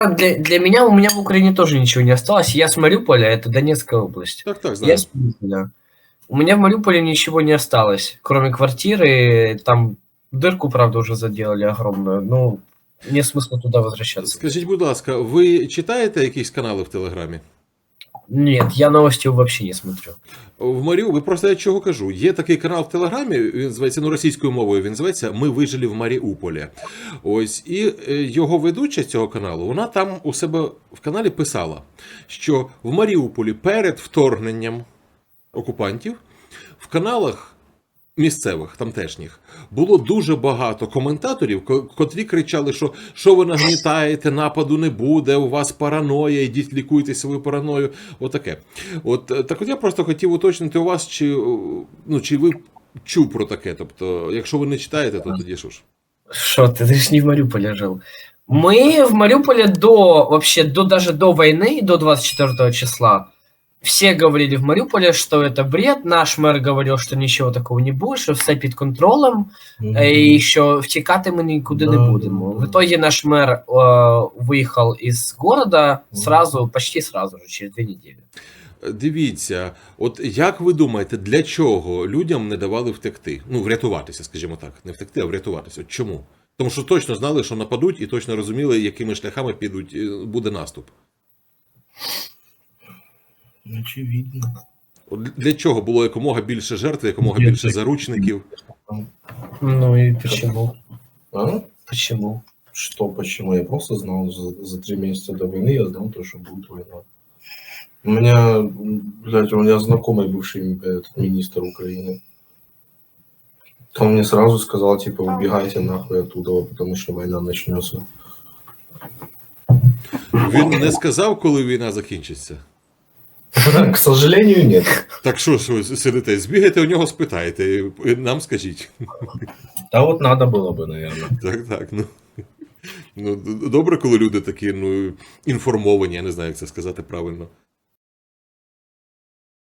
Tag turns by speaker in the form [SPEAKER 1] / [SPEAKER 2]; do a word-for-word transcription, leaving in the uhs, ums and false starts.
[SPEAKER 1] Для, для меня, у меня в Украине тоже ничего не осталось. Я с Мариуполя, это Донецкая область.
[SPEAKER 2] Так, так,
[SPEAKER 1] Я
[SPEAKER 2] знаю.
[SPEAKER 1] с Мариуполя. У меня в Мариуполе ничего не осталось, кроме квартиры. Там дырку, правда, уже заделали огромную. Ну, нет смысла туда возвращаться.
[SPEAKER 2] Скажіть, будь ласка, ви читаєте якісь канали в Телеграмі?
[SPEAKER 1] Нет, я новости вообще не смотрю.
[SPEAKER 2] В Маріуполі, просто я чого кажу, є такий канал в Телеграмі, він називається, ну, російською мовою, він називається «Ми вижили в Маріуполі». Ось, і його ведуча цього каналу, вона там у себе в каналі писала, що в Маріуполі перед вторгненням окупантів в каналах місцевих, тамтешніх, було дуже багато коментаторів, котрі кричали, що що ви нагнітаєте, нападу не буде, у вас параноя, йдіть лікуйте свою параною, отаке. От, так от я просто хотів уточнити у вас, чи, ну, чи ви чув про таке, тобто, якщо ви не читаєте, то тоді що ж?
[SPEAKER 1] Что ты, ты ж не в Мариуполе жил. Мы в Мариуполе до, вообще, до, даже до войны, до двадцать четвёртого числа, все говорили в Мариуполе, что это бред. Наш мэр говорил, что ничего такого не будет, что все під контролем, mm-hmm. и що втікати ми нікуди да, не будемо. Да, да. В итоге наш мэр э, выехал из города сразу, mm-hmm. почти сразу же, через дві недели.
[SPEAKER 2] Дивіться, от як ви думаєте, для чого людям не давали втекти? Ну, врятуватися, скажімо так. Не втекти, а врятуватися. От чому? Тому що точно знали, що нападуть, і точно розуміли, якими шляхами підуть, буде наступ.
[SPEAKER 3] Очевидно.
[SPEAKER 2] Для чого було якомога більше жертв, якомога більше заручників?
[SPEAKER 1] Ну и почему?
[SPEAKER 3] А?
[SPEAKER 1] Почему?
[SPEAKER 3] Что почему? Я просто знал за, за три месяца до войны, я знал то, что будет война. У меня, блядь, у меня знакомый бывший этот, министр Украины. Он мне сразу сказал, типа, убегайте нахуй оттуда, потому что война начнется.
[SPEAKER 2] Він не сказав, коли війна закінчиться?
[SPEAKER 3] К сожалению, нет.
[SPEAKER 2] Так що ж ви сидите, збігайте у нього, спитайте, нам скажіть.
[SPEAKER 3] Та от надо було би, наверное.
[SPEAKER 2] Так, так, ну. Ну, добре, коли люди такі, ну, інформовані, я не знаю, як це сказати правильно.